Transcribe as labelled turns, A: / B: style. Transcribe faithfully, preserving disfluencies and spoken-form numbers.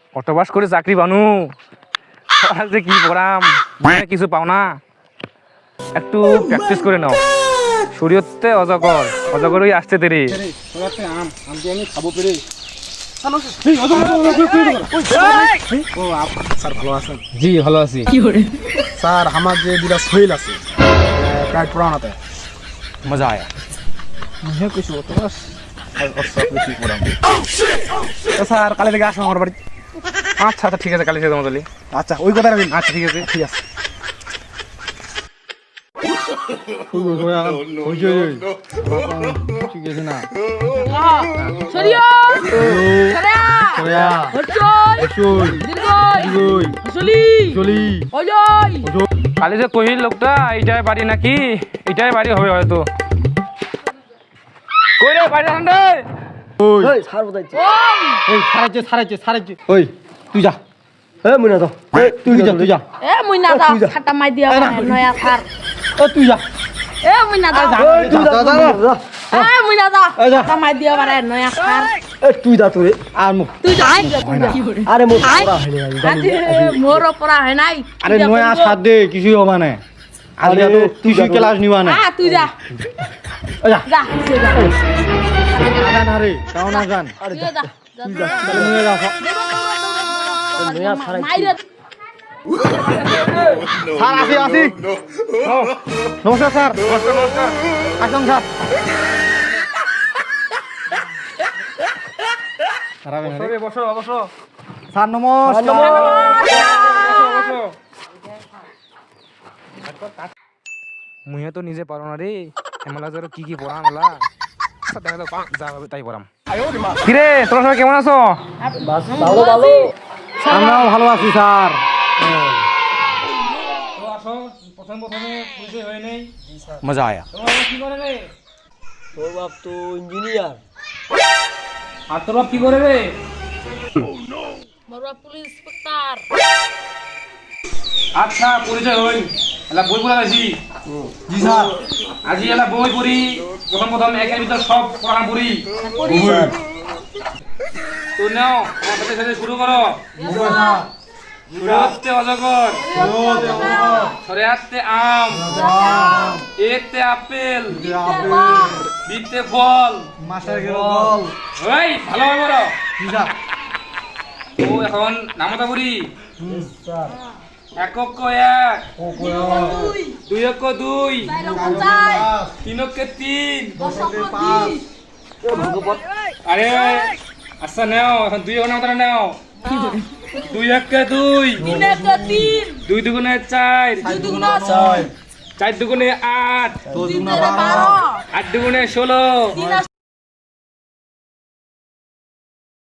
A: অটোবাস করে চাকরি বানু আর যে কি পড়াম মনে কিছু পাও না একটু প্র্যাকটিস করে নাও শরীয়তে অজগর অজগরই আসতে দেরি
B: আম আম দিয়ে আমি খাবো পেরে ও স্যার ভালো আছেন?
A: জি ভালো আছি
B: স্যার আমার যে দুটা শৈল আছে প্রায় পুরানাতে
A: মজা আয়া
B: হে কিছু তো বাস কি পড়াম তো স্যার কালে থেকে আসো আমার বাড়ি।
A: আচ্ছা আচ্ছা ঠিক আছে কালি সে তোমাদের
B: আচ্ছা ওই কথা রাখবেন।
A: আচ্ছা ঠিক আছে
B: ঠিক আছে
A: ঠিক আছে না
C: সরিয়া সরিয়া সরিয়া হচই দীর্ঘই চলি চলি ওই
A: কালি যে কহিল লোকটা এইটাই বাড়ি নাকি এইটাই বাড়ি হবে হয়তো কই রে বাড়ি আন রে
B: ওই স্যার বদাইছে
D: ওই সারাইছে সারাইছে সারাইছে ওই তুই যা
B: এ মুনা দাও
D: তুই যা তুই যা
C: এ মুইনা দা খাটা মাই দিয়া নয়া খার
D: ও তুই যা
C: এ মুইনা দা
B: তুই যা যা
C: এ মুইনা দা খাটা মাই দিয়া পারে নয়া খার
B: এ তুই যা তোরে
D: আর মুখ
C: তুই যা তুই যা
B: আরে মোর
C: আয়।
B: পড়া হয়নি
C: আরে মোর পড়া হয় নাই
D: আরে নয়া সাত দে কিছুই হবে না আজকে তো তুই ক্লাস নিবা না
C: আ তুই যা
D: যা
C: যা তুই যা
D: আগান আরে কাও না গান
C: তুই যা যা
D: তাহলে নিয়ে যা
C: নয়া খারাই মাইরে
D: স্যার আসি আসি নমস্কার স্যার নমস্কার নমস্কার আসুন স্যার
A: বসো বসো
D: স্যার নমস্কার
A: মুহে তো নিজে পারো না রে এমলা জোর কি কি পড়াম এলা আচ্ছা দেখা যাক যা হবে তাই পড়াম কিরে তোরা সবাই কেমন আছো
B: ভালো ভালো
D: আমরাও ভালো আছি স্যার
A: তো আসো প্রথম প্রথমে পরিচয় হয় নাই মজা আয়া তোমরা কি করে রে
B: তোর বাপ তো ইঞ্জিনিয়ার
A: আর তোর বাপ কি করে রে
C: মোর পুলিশ ইন্সপেক্টর
A: আচ্ছা পরিচয় হই এলা বই পড়া আছি জি স্যার আজি এলা বই পড়ি প্রথম প্রথম একের ভিতর সব পড়া পড়ি তো নাও আমার সাথে সাথে শুরু করো শুরুতে অজগর সরেয়াতে আম এতে আপেল বিতে ফল
D: মাস্টার গেল
A: ওই ভালো হবে বড় ও এখন নামতা বুড়ি একক ক এক দুই এক দুই তিন এক তিন আরে আচ্ছা নাও এখন দুই এখন নামতা নাও দুই এক দুই
C: তিন
A: দুই দুগুণে চার
C: দুগুণা ছয়
A: চার দুগুণে আট
C: তিন বারো
A: আট দুগুণে ষোলো
C: তিন